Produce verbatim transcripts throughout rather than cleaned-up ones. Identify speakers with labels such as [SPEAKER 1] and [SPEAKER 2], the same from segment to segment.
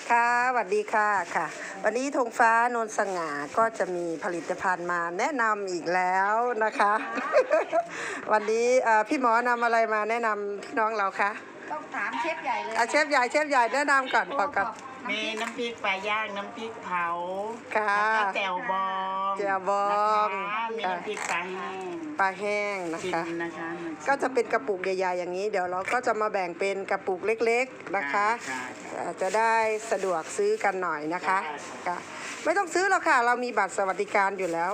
[SPEAKER 1] ค่ะสวัสดีค่ะค่ะวันนี้ธงฟ้านนสง่าก็จะมีผลิตภัณฑ์มาแนะนำอีกแล้วนะคะ วันนี้พี่หมอนำอะไรมาแนะนำพี่น้องเราคะ
[SPEAKER 2] ต้องถามเชฟใหญ่เลย
[SPEAKER 1] เชฟใหญ่เชฟใหญ่แนะนำก่อนก่อนก่อน
[SPEAKER 3] มีน้ำพริกปลาย่างน้ำพริกเผา
[SPEAKER 1] ค่ะ
[SPEAKER 3] แล้วก็แจ่วบอง
[SPEAKER 1] แจ่วบอง
[SPEAKER 3] มีน้ำพริกปลาแห้ง
[SPEAKER 1] ปลาแห้งนะคะ
[SPEAKER 3] นะคะ
[SPEAKER 1] ก็จะเป็นกระปุกใหญ่ๆอย่างนี้เดี๋ยวเราก็จะมาแบ่งเป็นกระปุกเล็กๆนะคะจะได้สะดวกซื้อกันหน่อยนะคะค่ะไม่ต้องซื้อหรอกค่ะเรามีบัตรสวัสดิการอยู่แล้ว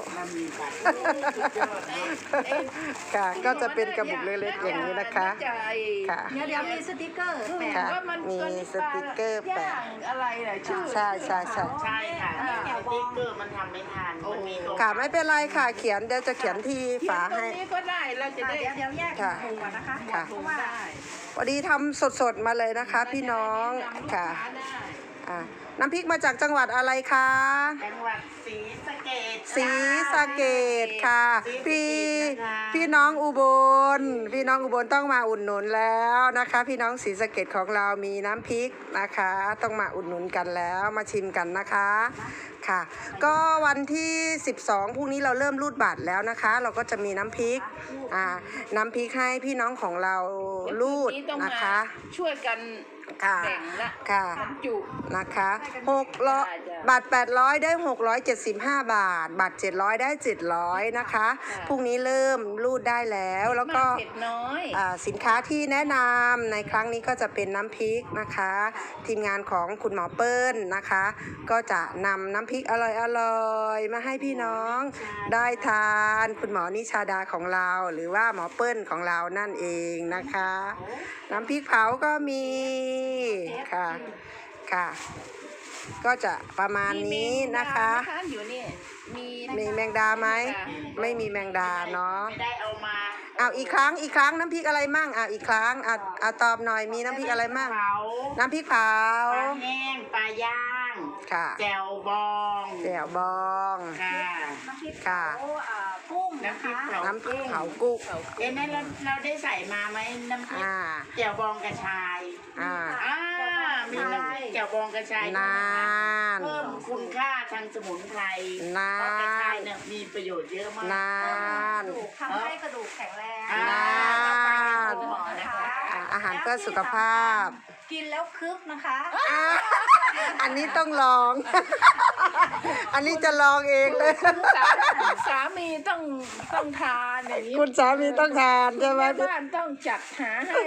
[SPEAKER 1] ค่ะก็จะเป็นกระปุกเล็กๆอย่างนี้นะคะค่ะ
[SPEAKER 2] เดี๋ยวเดี๋ยวมีสติกเกอร์แปะ
[SPEAKER 1] ค่ะมีสติกเกอร์แปะ
[SPEAKER 2] อะไรเหรอชื่อ
[SPEAKER 1] ใช่ใช่ใช่
[SPEAKER 3] ใช่ค่ะสติ๊กเกอร์มันทำไม่ทันมันมี
[SPEAKER 1] ค่ะไม่เป็นไรค่ะเขียนเดี๋ยวจะเขียนที่ฝาให้
[SPEAKER 2] นี้ก็ได้เราจะได้เดี๋ยวแยกถุงก่อนนะคะ
[SPEAKER 1] ค่ะ
[SPEAKER 2] เพราะว่า
[SPEAKER 1] พอดีทำสดๆมาเลยนะคะพี่น้องค่ะอ่าน้ำพริกมาจากจังหวัดอะไรคะ
[SPEAKER 3] จังหวัดศรีสะเกษ
[SPEAKER 1] ศรีสะเกษค่ะพี่พี่น้องอุบลพี่น้องอุบลต้องมาอุดหนุนแล้วนะคะพี่น้องศรีสะเกษของเรามีน้ำพริกนะคะต้องมาอุดหนุนกันแล้วมาชิมกันนะคะค่ะก็วันที่สิบสองพรุ่งนี้เราเริ่มรูดบัตรแล้วนะคะเราก็จะมีน้ำพริกอ่าน้ำพริกให้พี่น้องของเรารูดนะคะ
[SPEAKER 2] ช่วยกัน
[SPEAKER 1] ค่ะค่ะ
[SPEAKER 2] จุ
[SPEAKER 1] นะคะหกร้อยบาทแปดร้อยได้หกร้อยเจ็ดสิบห้าบาทบาทเจ็ดร้อยได้เจ็ดร้อยนะคะพรุ่งนี้เริ่มรูดได้แล้วแล้วก็สินค้าที่แนะนำในครั้งนี้ก็จะเป็นน้ำพริกนะคะทีมงานของคุณหมอเปิ้ลนะคะก็จะนำน้ำพริกอร่อยๆมาให้พี่น้องได้ทานคุณหมอนิชาดาของเราหรือว่าหมอเปิ้ลของเรานั่นเองนะคะน้ำพริกเผาก็มีค่ะค่ะก็จะประมาณนี้นะคะมีแมงดาไหมไม่มีแมงดาเนาะ
[SPEAKER 3] ได้เอามา
[SPEAKER 1] เอาอีกครั้งอีกครั้งน้ำพริกอะไรมั่งอ่ะอีกครั้งอ่ะอ่ะตอบหน่อยมีน้ำพริกอะไรมั่งน้ำพริกเผา
[SPEAKER 3] ปลาแห้งปลาย่าง
[SPEAKER 1] ค่ะ
[SPEAKER 3] แจ่วบอง
[SPEAKER 1] แจ่วบอง
[SPEAKER 3] ค่ะ
[SPEAKER 1] ค่ะ
[SPEAKER 2] กุ้งน้ำพริกเผา
[SPEAKER 1] น้ำพริกเผากุ้ง
[SPEAKER 3] เอ๊ะนั่นเราเราได้ใส่มาไหมน้ำพริกแจ่วบองกระชาย
[SPEAKER 1] อ่า
[SPEAKER 3] อ่ามีน้ำพริกแจ่วบองกระชาย
[SPEAKER 1] นาน
[SPEAKER 3] เพิ่มคุณค่าทางสมุนไพร
[SPEAKER 1] นาน
[SPEAKER 3] เพราะกระชายเนี่ยมีประโยชน์เยอะมาก
[SPEAKER 1] นาน
[SPEAKER 2] ทำให้กระดูกแข็งแรง
[SPEAKER 1] นานอาหารเพื่อสุขภาพ
[SPEAKER 2] กินแล้วคึกนะคะ
[SPEAKER 1] อันนี้ต้องลอง อันนี้จะลองเองเลย
[SPEAKER 2] สามีต้องต้องทานอย่างนี้
[SPEAKER 1] คุณสามีต้องทานใช่ไหม
[SPEAKER 2] บ้านต้องจัดหาให้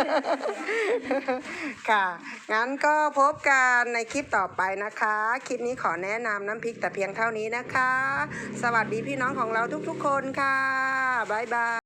[SPEAKER 1] ค่ะงั้นก็พบกันในคลิปต่อไปนะคะคลิปนี้ขอแนะนำน้ำพริกแต่เพียงเท่านี้นะคะสวัสดีพี่น้องของเราทุกๆคนค่ะบ๊ายบาย